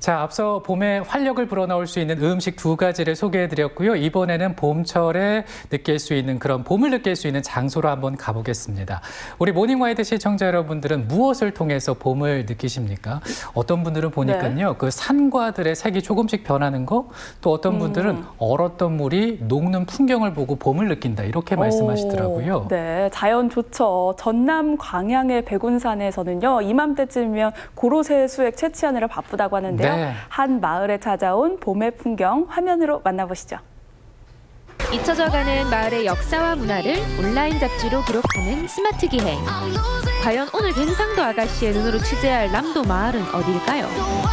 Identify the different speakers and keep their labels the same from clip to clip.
Speaker 1: 자, 앞서 봄에 활력을 불어넣을 수 있는 음식 두 가지를 소개해드렸고요. 이번에는 봄철에 느낄 수 있는 그런 봄을 느낄 수 있는 장소로 한번 가보겠습니다. 우리 모닝와이드 시청자 여러분들은 무엇을 통해서 봄을 느끼십니까? 어떤 분들은 보니까요. 그 산과들의 색이 조금씩 변하는 거, 또 어떤 분들은 얼었던 물이 녹는 풍경을 보고 봄을 느낀다. 이렇게 말씀하시더라고요.
Speaker 2: 네, 자연 좋죠. 전남 광양의 백운산에서는요. 이맘때쯤이면 고로쇠 수액 채취하느라 바쁘다고 하는데요.
Speaker 1: 네.
Speaker 2: 한 마을에 찾아온 봄의 풍경 화면으로 만나보시죠.
Speaker 3: 잊혀져가는 마을의 역사와 문화를 온라인 잡지로 기록하는 스마트 기행. 과연 오늘 갱상도 아가씨의 눈으로 취재할 남도 마을은 어디일까요?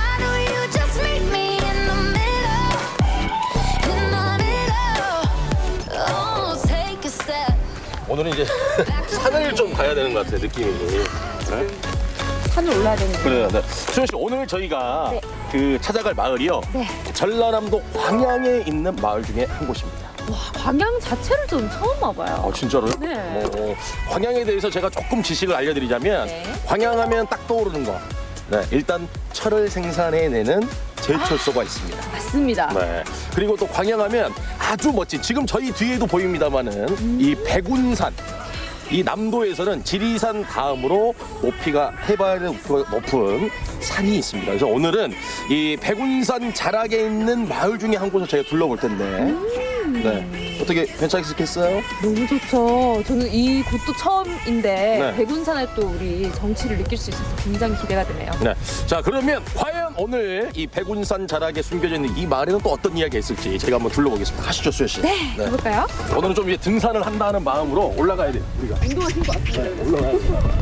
Speaker 4: 오늘은 이제 산을 좀 가야 되는 것 같아요, 느낌이. 네?
Speaker 2: 산을 올라야 되는데.
Speaker 4: 그래요. 네. 수현 씨, 오늘 저희가 그 찾아갈 마을이요. 전라남도 광양에 있는 마을 중에 한 곳입니다.
Speaker 3: 와, 광양 자체를 좀 처음 와봐요.
Speaker 4: 진짜로요?
Speaker 3: 네.
Speaker 4: 광양에 대해서 제가 조금 지식을 알려드리자면 광양하면 딱 떠오르는 거. 네, 일단 철을 생산해내는 제철소가 있습니다.
Speaker 3: 맞습니다.
Speaker 4: 네. 그리고 또 광양하면 아주 멋진, 지금 저희 뒤에도 보입니다만은 이 백운산. 이 남도에서는 지리산 다음으로 해발 높이가 높은 산이 있습니다. 그래서 오늘은 이 백운산 자락에 있는 마을 중에 한 곳을 저희가 둘러볼 텐데, 네. 어떻게 괜찮겠어요?
Speaker 5: 너무 좋죠. 저는 이 곳도 처음인데
Speaker 4: 네.
Speaker 5: 백운산에 또 우리 정취를 느낄 수 있어서 굉장히 기대가 되네요.
Speaker 4: 네. 자, 그러면 과연 오늘 이 백운산 자락에 숨겨져 있는 이 마을에는 또 어떤 이야기가 있을지 제가 한번 둘러보겠습니다. 가시죠, 수현 씨.
Speaker 5: 네, 해볼까요?
Speaker 4: 오늘은 좀 이제 등산을 한다는 마음으로 올라가야 돼요, 우리가.
Speaker 5: 운동하신 것 같습니다.
Speaker 4: 네, 올라가야죠.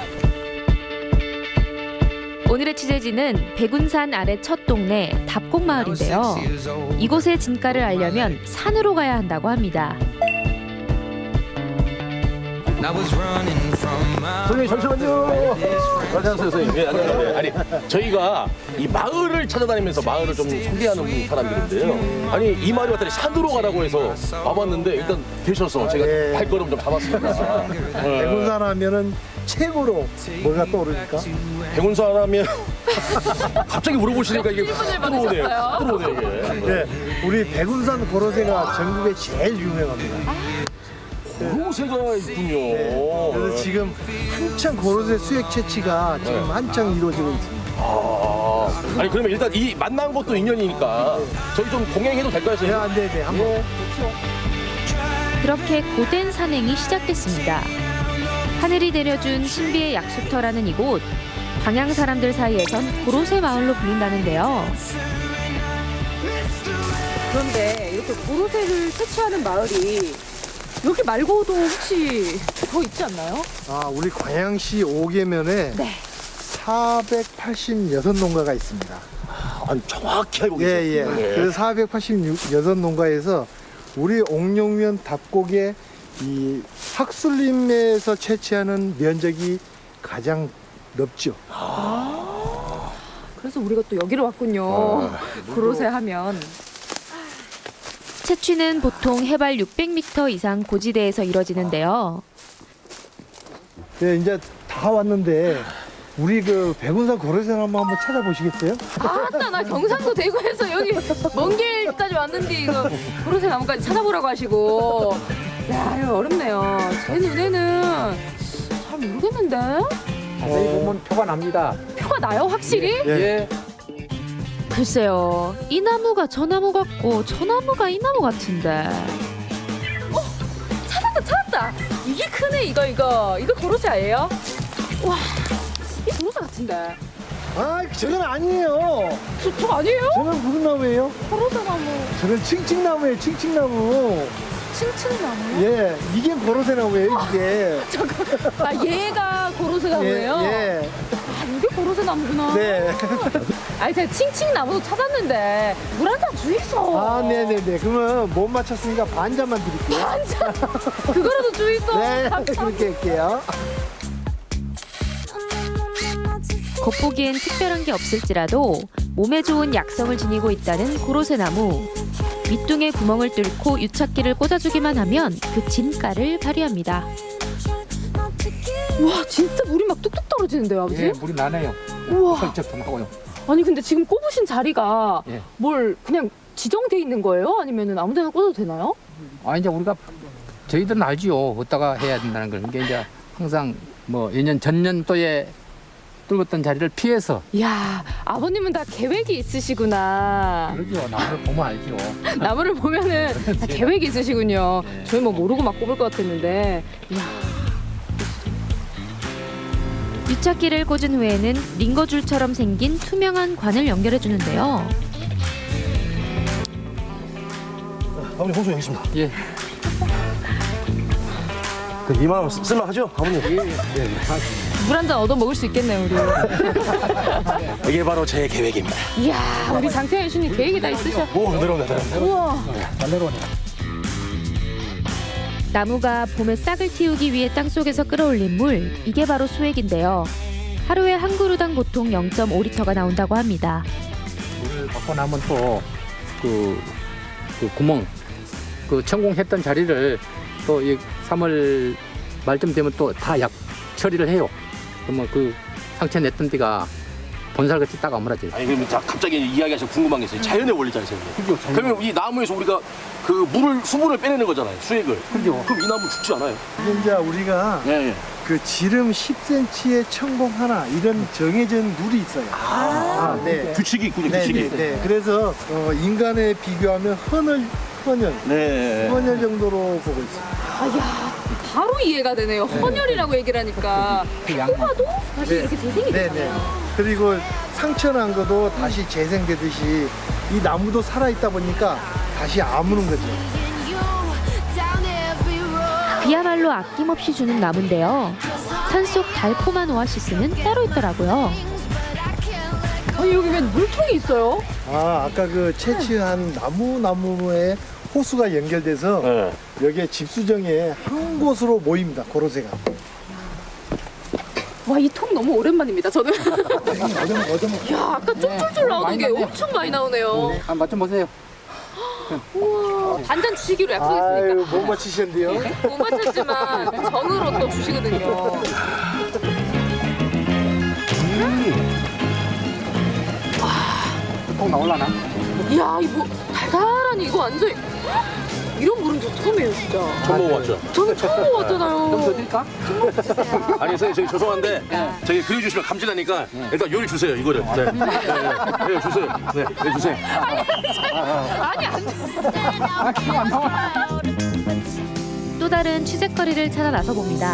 Speaker 3: 오늘의 취재지는 백운산 아래 첫 동네 답곡마을인데요. 이곳의 진가를 알려면 산으로 가야 한다고 합니다.
Speaker 4: 선생님, 잠시만요. 안녕하세요, 선생님. 네, 안녕하세요. 아니, 저희가 이 마을을 찾아다니면서 마을을 좀 소개하는 사람들인데요. 아니, 이 마을이 왔더니 산으로 가라고 해서 와봤는데 일단 되셔서 제가 발걸음 좀 잡았습니다.
Speaker 6: 백운산 하면은 최고로 뭐가 떠오르니까?
Speaker 4: 백운산 하면 갑자기 물어보시니까 이게 들어오네요, 이게.
Speaker 6: 네, 우리 백운산 고로쇠가 전국에 제일 유명합니다.
Speaker 4: 고로쇠가 있군요.
Speaker 6: 네, 그래서 지금 한창 고로쇠 수액 채취가 지금 한창 이루어지고 있습니다.
Speaker 4: 아니, 그러면 일단 이 만난 것도 인연이니까 저희 좀 동행해도 될까요,
Speaker 6: 네,
Speaker 4: 선생님?
Speaker 6: 안 돼, 네, 한번.
Speaker 3: 그렇게 고된 산행이 시작됐습니다. 하늘이 내려준 신비의 약수터라는 이곳. 광양 사람들 사이에선 고로쇠 마을로 불린다는데요.
Speaker 5: 그런데 이렇게 고로쇠를 채취하는 마을이 여기 말고도 혹시 더 있지 않나요?
Speaker 6: 아, 우리 광양시 5계면에 486농가가 있습니다.
Speaker 4: 아니, 정확히 알고
Speaker 6: 예,
Speaker 4: 계세요.
Speaker 6: 예. 그래서 486농가에서 우리 옥룡면 답곡의 이 학술림에서 채취하는 면적이 가장 넓죠.
Speaker 5: 그래서 우리가 또 여기로 왔군요. 고로쇠 하면.
Speaker 3: 채취는 보통 해발 600m 이상 고지대에서 이뤄지는데요.
Speaker 6: 네, 이제 다 왔는데 우리 그 백운산 고로쇠를 한번 찾아보시겠어요?
Speaker 5: 아따, 나 경상도 대구에서 여기 먼 길까지 왔는데 이거 고로쇠 나무까지 찾아보라고 하시고. 야, 이거 어렵네요. 제 눈에는 잘 모르겠는데?
Speaker 7: 자세히 보면 표가 납니다.
Speaker 5: 표가 나요, 확실히?
Speaker 7: 예.
Speaker 3: 글쎄요, 이 나무가 저 나무 같고 저 나무가 이 나무 같은데.
Speaker 5: 찾았다. 이게 크네, 이거 고로쇠 아니에요? 와, 이 고로쇠 같은데.
Speaker 6: 아, 저건 아니에요.
Speaker 5: 저 아니에요?
Speaker 6: 저건 무슨 나무예요?
Speaker 5: 고로쇠 나무,
Speaker 6: 저건 칭칭나무예요, 칭칭나무.
Speaker 5: 칭칭나무.
Speaker 6: 예, 이게 고로쇠 나무예요, 이게.
Speaker 5: 아, 얘가 고로쇠 나무예요?
Speaker 6: 예,
Speaker 5: 아, 이게 고로쇠 나무구나.
Speaker 6: 네.
Speaker 5: 아니, 제가 칭칭나무도 찾았는데 물 한 잔 주이소.
Speaker 6: 아, 네네네. 그러면 못 맞췄으니까 반잔만 드릴게요.
Speaker 5: 그거라도 주이소.
Speaker 6: 네,
Speaker 5: 감사합니다.
Speaker 6: 그렇게 할게요.
Speaker 3: 겉보기엔 특별한 게 없을지라도 몸에 좋은 약성을 지니고 있다는 고로쇠 나무. 밑둥에 구멍을 뚫고 유착기를 꽂아주기만 하면 그 진가를 발휘합니다.
Speaker 5: 와, 진짜 물이 막 뚝뚝 떨어지는데요, 아버지?
Speaker 7: 예, 물이 나네요.
Speaker 5: 우와.
Speaker 7: 펄쩍 통하고요.
Speaker 5: 아니 근데 지금 꼽으신 자리가
Speaker 7: 예.
Speaker 5: 뭘 그냥 지정돼 있는 거예요? 아니면은 아무데나 꽂아도 되나요?
Speaker 7: 이제 우리가 저희들은 알지요. 어디다가 해야 된다는 걸. 그게 이제 항상 뭐 예년 전년도에 뚫었던 자리를 피해서
Speaker 5: 이야, 아버님은 다 계획이 있으시구나.
Speaker 7: 그러죠. 나무를 보면 알죠.
Speaker 5: 나무를 보면은 다 계획이 있으시군요.
Speaker 7: 네.
Speaker 5: 저희 뭐 모르고 막 꼽을 것 같았는데. 이야.
Speaker 3: 유착기를 꽂은 후에는 링거줄처럼 생긴 투명한 관을 연결해 주는데요.
Speaker 4: 아버님 호수 여기 있습니다.
Speaker 7: 예.
Speaker 4: 그 2만 원 쓸만하죠, 아버님?
Speaker 5: 물 한 잔 얻어 먹을 수 있겠네요, 우리.
Speaker 4: 이게 바로 제 계획입니다.
Speaker 5: 이야, 우리 장태현 씨는 계획이 다 있으셔.
Speaker 4: 오, 내려온다.
Speaker 5: 우와.
Speaker 7: 잘 내려오네.
Speaker 3: 나무가 봄에 싹을 틔우기 위해 땅속에서 끌어올린 물, 이게 바로 수액인데요. 하루에 한 그루당 보통 0.5리터가 나온다고 합니다.
Speaker 7: 물을 받고 나면 또 그 구멍, 그 천공했던 자리를 또 이 3월 말쯤 되면 또 다 약 처리를 해요. 그러면 그 상처 냈던 데가 본살같이 딱 아물어져요.
Speaker 4: 아니 그럼 자, 갑자기 이야기하셔서 궁금한 게 있어요. 자연의 원리잖아요, 선생님. 그러면 이 나무에서 우리가 그 물을 수분을 빼내는 거잖아요, 수액을.
Speaker 7: 그죠.
Speaker 4: 그럼 이 나무 죽지 않아요?
Speaker 6: 이게 이제 우리가
Speaker 4: 예.
Speaker 6: 그 지름 10cm의 천공 하나 이런 정해진 룰이 있어요. 네.
Speaker 4: 규칙이 있군요,
Speaker 6: 네,
Speaker 4: 규칙이.
Speaker 6: 네, 네. 그래서 인간에 비교하면 헌혈
Speaker 4: 네.
Speaker 6: 정도로 보고 있어요.
Speaker 5: 아야, 바로 이해가 되네요. 헌혈이라고 얘기를 하니까.
Speaker 7: 그 양만.
Speaker 5: 봐도 다시 이렇게 재생이
Speaker 6: 네,
Speaker 5: 되잖아요.
Speaker 6: 네. 그리고 상처 난 것도 다시 재생되듯이 이 나무도 살아있다 보니까 다시 아무는 거죠.
Speaker 3: 그야말로 아낌없이 주는 나무인데요. 산속 달콤한 오아시스는 따로 있더라고요.
Speaker 5: 아니 여기 왜 물통이 있어요?
Speaker 6: 아까 그 채취한 나무에 호수가 연결돼서
Speaker 4: 네.
Speaker 6: 여기에 집수정에 한 곳으로 모입니다. 고로쇠가.
Speaker 5: 와, 이 통 너무 오랜만입니다. 저는.
Speaker 6: 얻어먹.
Speaker 5: 야, 아까 쫄쫄쫄 나오는 게 엄청 많이 나오네요.
Speaker 7: 한번 맛 좀 보세요.
Speaker 5: 우와, 반잔 주시기로
Speaker 6: 아유,
Speaker 5: 약속했으니까.
Speaker 6: 못 맞히셨는데요.
Speaker 5: 못 맞췄지만 정으로 또 주시거든요.
Speaker 7: 꼭 나올라나?
Speaker 5: 이야, 이거 달달하니 이거 완전 이런 물은 저 처음이에요, 진짜.
Speaker 4: 처음 먹어봤죠?
Speaker 5: 저는 처음
Speaker 7: 좀 더
Speaker 5: 먹었잖아요.
Speaker 7: 드릴까?
Speaker 4: 아니 선생님 저기 죄송한데 저기 그려주시면 감질나니까 일단 요리 주세요 이거를. 네, 주세요. 네, 주세요.
Speaker 5: 아니, 안 돼.
Speaker 3: 또 다른 취재거리를 찾아 나서 봅니다.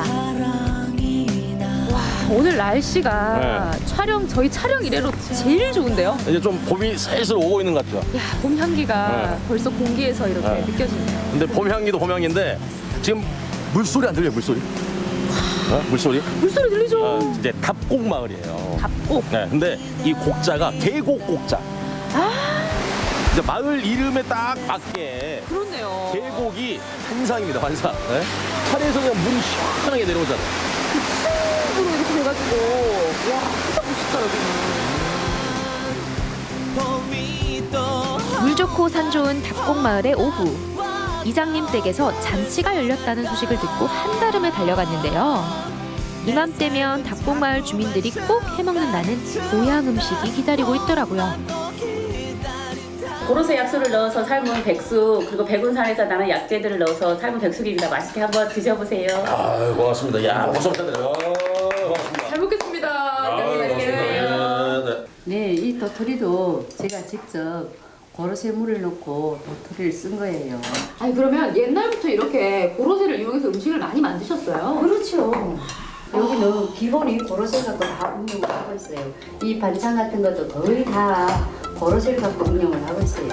Speaker 5: 오늘 날씨가 저희 촬영 이래로 제일 좋은데요?
Speaker 4: 이제 좀 봄이 슬슬 오고 있는 것 같죠.
Speaker 5: 야, 봄 향기가 벌써 공기에서 이렇게 느껴지네요.
Speaker 4: 근데 봄 향기도 봄 향기인데 지금 물소리 안 들려요 물소리? 물소리?
Speaker 5: 물소리 들리죠?
Speaker 4: 이제 답곡 마을이에요.
Speaker 5: 답곡.
Speaker 4: 네, 근데 이 곡자가 계곡 곡자. 이제 마을 이름에 딱 맞게
Speaker 5: 그렇네요.
Speaker 4: 계곡이 환상입니다 환상. 네? 산에서 그냥 물이 시원하게 내려오잖아요.
Speaker 5: 으로 이렇게 돼가지고 와, 진짜 멋있더라고요.
Speaker 3: 물 좋고 산 좋은 답곡마을의 오후. 이장님 댁에서 잔치가 열렸다는 소식을 듣고 한달음에 달려갔는데요. 이맘때면 답곡마을 주민들이 꼭 해먹는다는 고향 음식이 기다리고 있더라고요.
Speaker 8: 고로쇠 약수를 넣어서 삶은 백숙, 그리고 백운산에서 나는 약재들을 넣어서 삶은 백숙입니다. 맛있게 한번 드셔보세요.
Speaker 4: 아 고맙습니다. 야 박수 부탁드려요. 고맙습니다.
Speaker 5: 잘 먹겠습니다.
Speaker 9: 네, 이 도토리도 제가 직접 고로쇠 물을 넣고 도토리를 쓴 거예요.
Speaker 5: 아니 그러면 옛날부터 이렇게 고로쇠를 이용해서 음식을 많이 만드셨어요?
Speaker 9: 그렇죠. 여기는 기본이 고로쇠 갖고 다 운영을 하고 있어요. 이 반찬 같은 것도 거의 다 고로쇠를 갖고 운영을 하고 있어요.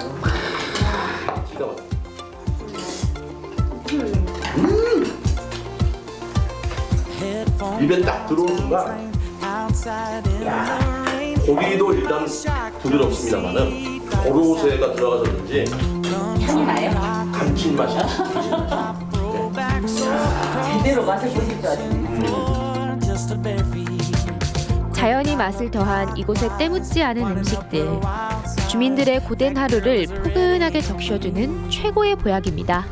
Speaker 4: 입에 딱 들어오는 순간 야, 고기도 일단 부드럽습니다만은 고로쇠가 들어가서든지
Speaker 8: 향이 나요?
Speaker 4: 감칠맛이
Speaker 8: 제대로 맛을 보실 줄 아시네요.
Speaker 3: 자연이 맛을 더한 이곳에 때묻지 않은 음식들. 주민들의 고된 하루를 포근하게 적셔주는 최고의 보약입니다.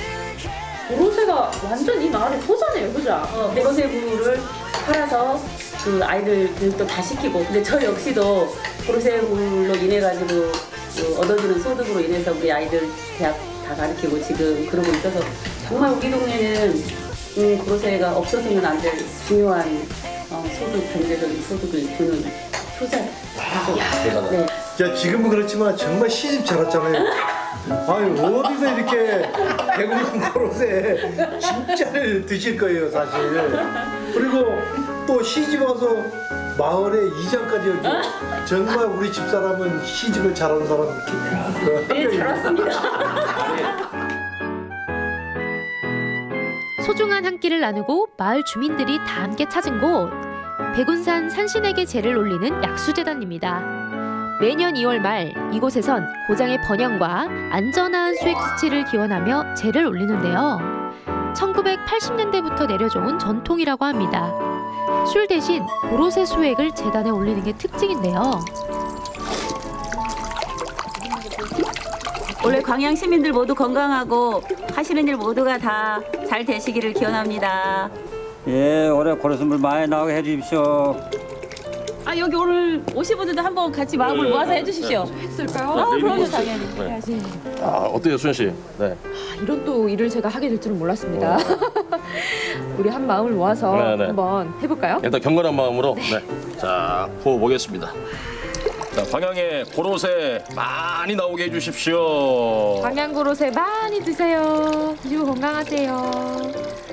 Speaker 5: 고로쇠가 완전 이 마을의 토자네요, 그죠?
Speaker 8: 백운쇠 부를 팔아서 그 아이들 교육도 다 시키고 근데 저 역시도 고로쇠물로 인해 가지고 그 얻어지는 소득으로 인해서 우리 아이들 대학 다 가르치고 지금 그러고 있어서 정말 우리 동네는 고로쇠가 없어서는 안 될 중요한 소득 경제적인 소득을 주는 효자죠.
Speaker 4: 대단하다.
Speaker 8: 네.
Speaker 6: 자, 지금은 그렇지만 정말 시집 잘 왔잖아요. 아유, 어디서 이렇게 배고픈 고로쇠 진짜를 드실 거예요, 사실. 그리고 또 시집 와서 마을에 이장까지 여기. 정말 우리 집사람은 시집을 잘하는 사람 이렇게.
Speaker 8: 네, 잘 왔습니다.
Speaker 3: 소중한 한 끼를 나누고 마을 주민들이 다 함께 찾은 곳 백운산 산신에게 제를 올리는 약수재단입니다. 매년 2월 말 이곳에선 고장의 번영과 안전한 수액 수치를 기원하며 제를 올리는데요. 1980년대부터 내려져온 전통이라고 합니다. 술 대신 고로쇠 수액을 재단에 올리는 게 특징인데요.
Speaker 8: 원래 광양 시민들 모두 건강하고 하시는 일 모두가 다 잘 되시기를 기원합니다.
Speaker 10: 예, 올해 고로쇠물 많이 나오게 해주십시오.
Speaker 8: 아 여기 오늘 오신 분들도 한번 같이 마음을 모아서 해주십시오.
Speaker 5: 했을까요?
Speaker 8: 아 그럼요
Speaker 4: 내일
Speaker 8: 당연히.
Speaker 5: 해야지.
Speaker 4: 아, 어때요, 수현 씨? 네.
Speaker 5: 이런 또 일을 제가 하게 될 줄은 몰랐습니다. 우리 한 마음을 모아서
Speaker 4: 네.
Speaker 5: 한번 해볼까요?
Speaker 4: 일단 경건한 마음으로 네. 자, 부어보겠습니다. 자, 광양에 고로쇠 많이 나오게 해주십시오.
Speaker 5: 광양 고로쇠 많이 드세요. 그리고 건강하세요.